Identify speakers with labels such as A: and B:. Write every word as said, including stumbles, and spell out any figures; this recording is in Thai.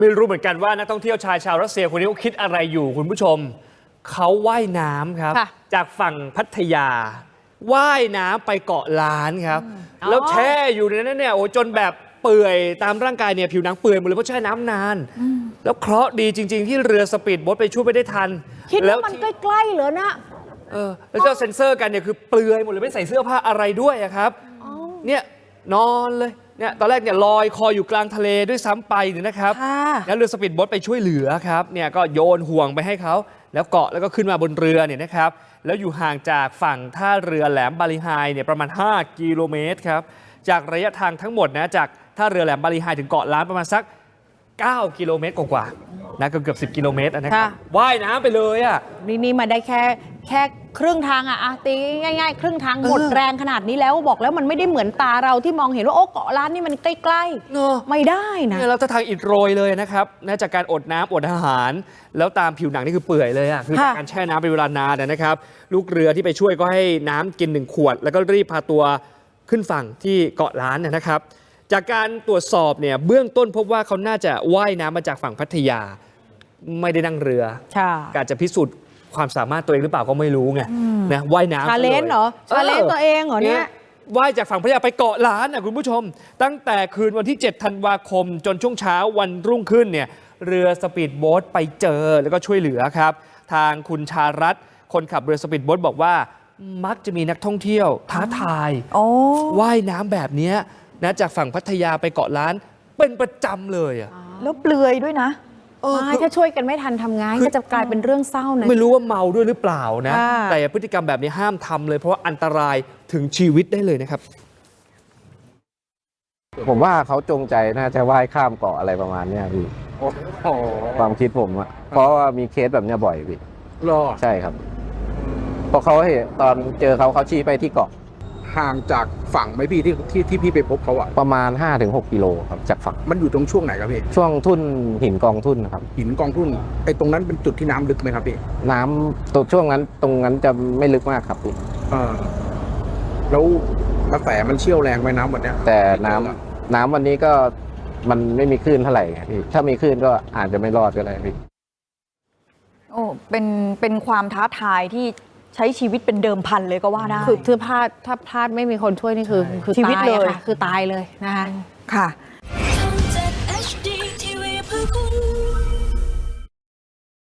A: ไม่รู้เหมือนกันว่านักท่องเที่ยวชายชาวรัสเซียคนนี้เขาคิดอะไรอยู่คุณผู้ชมเขาว่ายน้ำครับจากฝั่งพัทยาว่ายน้ำไปเกาะล้านครับแล้วแช่อยู่ในนั้นเนี่ยโอ้จนแบบเปื่อยตามร่างกายเนี่ยผิวหนังเปื่อยหมดเลยเพราะแช่น้ำนานแล้วเคราะห์ดีจริงๆที่เรือสปีดโบ๊ทไปช่วยไปได้ทัน
B: คิดว่ามันใกล้ๆเหรอนะ
A: เออแล้วเจ้าเซ็นเซอร์กันเนี่ยคือเปลือยหมดเลยไม่ใส่เสื้อผ้าอะไรด้วยครับเนี่ยนอนเลยเนี่ยตอนแรกเนี่ยลอยคออยู่กลางทะเลด้วยซ้ำไปเนี่ยนะครับแล้วเรือสปีดโบ๊ทไปช่วยเหลือครับเนี่ยก็โยนห่วงไปให้เขาแล้วเกาะแล้วก็ขึ้นมาบนเรือเนี่ยนะครับแล้วอยู่ห่างจากฝั่งท่าเรือแหลมบาลีไฮเนี่ยประมาณห้ากิโลเมตรครับจากระยะทางทั้งหมดนะจากท่าเรือแหลมบาลีไฮถึงเกาะล้านประมาณสักเก้ากิโลเมตรกว่าๆนะเกือบเกือบสิบกิโลเมตรนะครับว่ายน้ำไปเลยอ่ะ
B: นี่นี่มาได้แค่แค่ครึ่งทางอ่ะตีง่ายๆครึ่งทางหมดแรงขนาดนี้แล้วบอกแล้วมันไม่ได้เหมือนตาเราที่มองเห็นว่าโอ้เกาะล้านนี่มันใกล้ๆเนอะไม่ได้นะ
A: เนี่ยเราจะทางอิดโรยเลยนะครับนะจากการอดน้ำอดอาหารแล้วตามผิวหนังนี่คือเปื่อยเลยอ่ะคือจากการแช่น้ำเป็นเวลานานนะครับลูกเรือที่ไปช่วยก็ให้น้ำกินหนึ่งขวดแล้วก็รีบพาตัวขึ้นฝั่งที่เกาะล้านนะครับจากการตรวจสอบเนี่ยเบื้องต้นพบว่าเขาน่าจะว่ายน้ำมาจากฝั่งพัทยาไม่ได้นั่งเรืออาจจะพิสูจน์ความสามารถตัวเองหรือเปล่าก็ไม่รู้ไงนะว่ายน้ำ
B: ชาเลนจ์เหรอชาเลนจ์ตัวเองเหรอเนี่ย
A: ว่ายจากฝั่งพัทยาไปเกาะล้านนะคุณผู้ชมตั้งแต่คืนวันที่เจ็ดธันวาคมจนช่วงเช้าวันรุ่งขึ้นเนี่ยเรือสปีดโบ๊ทไปเจอแล้วก็ช่วยเหลือครับทางคุณชารัตน์คนขับเรือสปีดโบ๊ทบอกว่ามักจะมีนักท่องเที่ยวท้าทายว่ายน้ำแบบนี้นะจากฝั่งพัทยาไปเกาะล้านเป็นประจำเลยอ่ะ
C: แล้วเปลือยด้วยนะ
B: ไม่ถ้าช่วยกันไม่ทันทำไงก็จะกลายเป็นเรื่องเศร้านะ
A: ไม่รู้ว่าเมาด้วยหรือเปล่านะแต่พฤติกรรมแบบนี้ห้ามทำเลยเพราะว่าอันตรายถึงชีวิตได้เลยนะครับ
D: ผมว่าเขาจงใจน่าจะว่ายข้ามเกาะอะไรประมาณนี้พี่ความคิดผมอะเพราะว่ามีเคสแบบนี้บ่อยพี่
E: รอ
D: ใช่ครับเพราะเขาเห็นตอนเจอเขาเขาชี้ไปที่เกาะ
E: ห่างจากฝั่งไหมพี่ที่ที่ที่พี่ไปพบเขาอะ
D: ประมาณ ห้าถึงหก กิโลครับจากฝั่ง
E: มันอยู่ตรงช่วงไหนครับพี่
D: ช่วงทุ่นหินกองทุ่นครับ
E: หินกองทุ่นไอ้ตรงนั้นเป็นจุดที่น้ำลึกไหมครับพี่
D: น้ำตรงช่วงนั้นตรงนั้นจะไม่ลึกมากครับพี่
E: เออแล้วกระแสมันเชี่ยวแรงไหมน้ำวันนี้
D: แต่น้ำน้ำวันนี้ก็มันไม่มีคลื่นเท่าไหร่พี่ถ้ามีคลื่นก็อาจจะไม่รอดก็ได้พี่
C: โอ้เป็นเป็นความท้าทายที่ใช้ชีวิตเป็นเดิมพันเลยก็ว่าได้
B: คือถ้าพลาดถ้าพลาดไม่มีคนช่วยนี่คือคือชีวิตเลยคือตายเลยนะคะ
C: ค่ะ